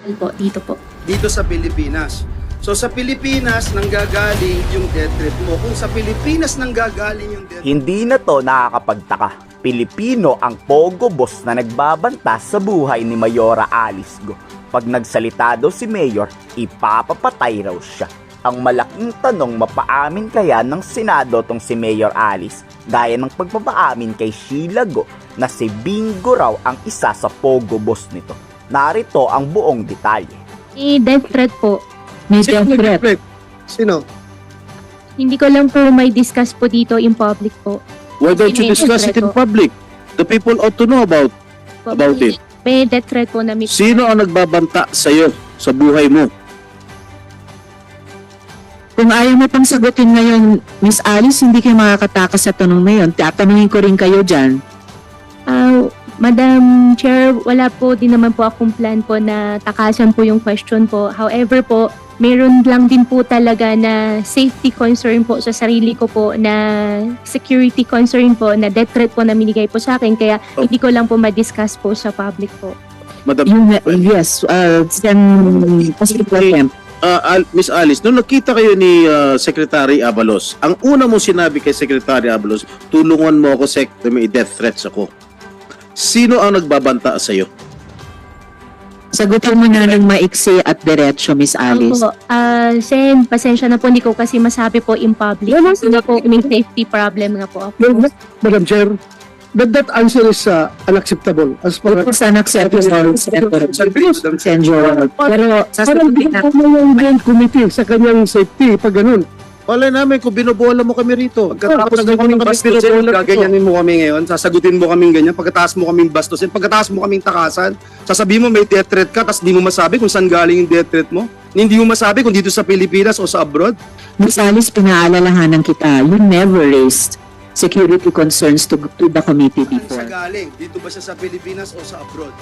Po, dito po. Dito sa Pilipinas. So sa Pilipinas nanggagaling yung death threat mo. Kung sa Pilipinas nanggagaling yung death Hindi na to nakakapagtaka. Pilipino ang pogo boss na nagbabanta sa buhay ni Mayora Alice Go. Pag nagsalita daw si Mayor, ipapapatay raw siya. Ang malaking tanong, mapaamin kaya ng Senado tong si Mayor Alice, gaya ng pagpapaamin kay Sheila Go na si Bingo raw ang isa sa pogo boss nito. Narito ang buong detalye. Death threat po. May death threat. Sino? Hindi ko lang po may discuss po dito in public po. Why don't you May discuss it death in threat po. public? The people ought to know about it. May death threat po na may... Sino ang nagbabanta sa'yo sa buhay mo? Kung ayaw mo pang sagutin ngayon, Miss Alice, hindi kayo makakatakas sa tanong na yun. Tatanungin ko rin kayo dyan. Madam Chair, wala po din naman po akong plan po na takasan po yung question po. However po, meron lang din po talaga na safety concern po sa sarili ko po, na security concern po, na death threat po na minigay po sa akin. Kaya hindi ko lang po ma-discuss po sa public po. Madam, Yes, Miss Alice, nung nakita kayo ni Secretary Abalos, ang una mo sinabi kay Secretary Abalos, tulungan mo ako, Sec, may death threats ako. Sino ang nagbabanta sa'yo? sagutin mo na ng maiksi at diretso, Miss Alice. Opo. Sen, pasensya na po, hindi ko kasi masabi po in public. Kasi nga po, may safety problem nga po ako. No, Madam Chair, that answer is unacceptable as far as... It's unacceptable, Senjor. Pero Parang sasagutin na. yung Grand Committee sa kanyang safety, pag ganun. Wala namin kung binobola mo kami rito. Pagkatapos mo kaming bastusin, gaganyanin mo kami ngayon, sasagutin mo kaming ganyan, pagkatapos mo kaming bastusin, pagkatapos mo kaming takasan, sasabihin mo may death threat ka, tapos di mo masabi kung saan galing yung death threat mo. Hindi mo masabi kung dito sa Pilipinas o sa abroad. Miss Alice, pinaalalahanan kita, you never raised security concerns to the committee Saan before. siya galing? Dito ba siya sa Pilipinas o sa abroad?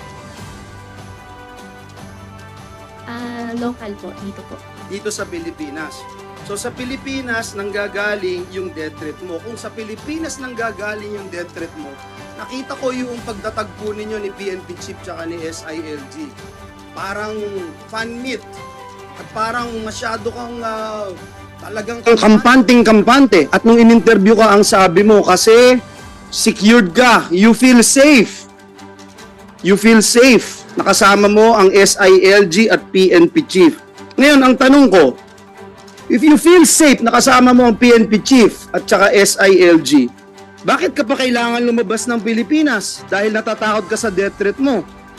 Local po, dito po. Dito sa Pilipinas. So sa Pilipinas nanggagaling yung death threat mo. Kung sa Pilipinas nanggagaling yung death threat mo, nakita ko yung pagdatagpo ninyo ni PNP Chief tsaka ni SILG. Parang fan meet. At parang masyado kang talagang kampante. At nung in-interview ka, ang sabi mo, kasi secured ka, you feel safe. You feel safe. Nakasama mo ang SILG at PNP Chief. Ngayon, ang tanong ko, if you feel safe, nakasama mo ang PNP Chief at saka SILG, bakit ka pa kailangan lumabas ng Pilipinas? Dahil natatakot ka sa death threat mo.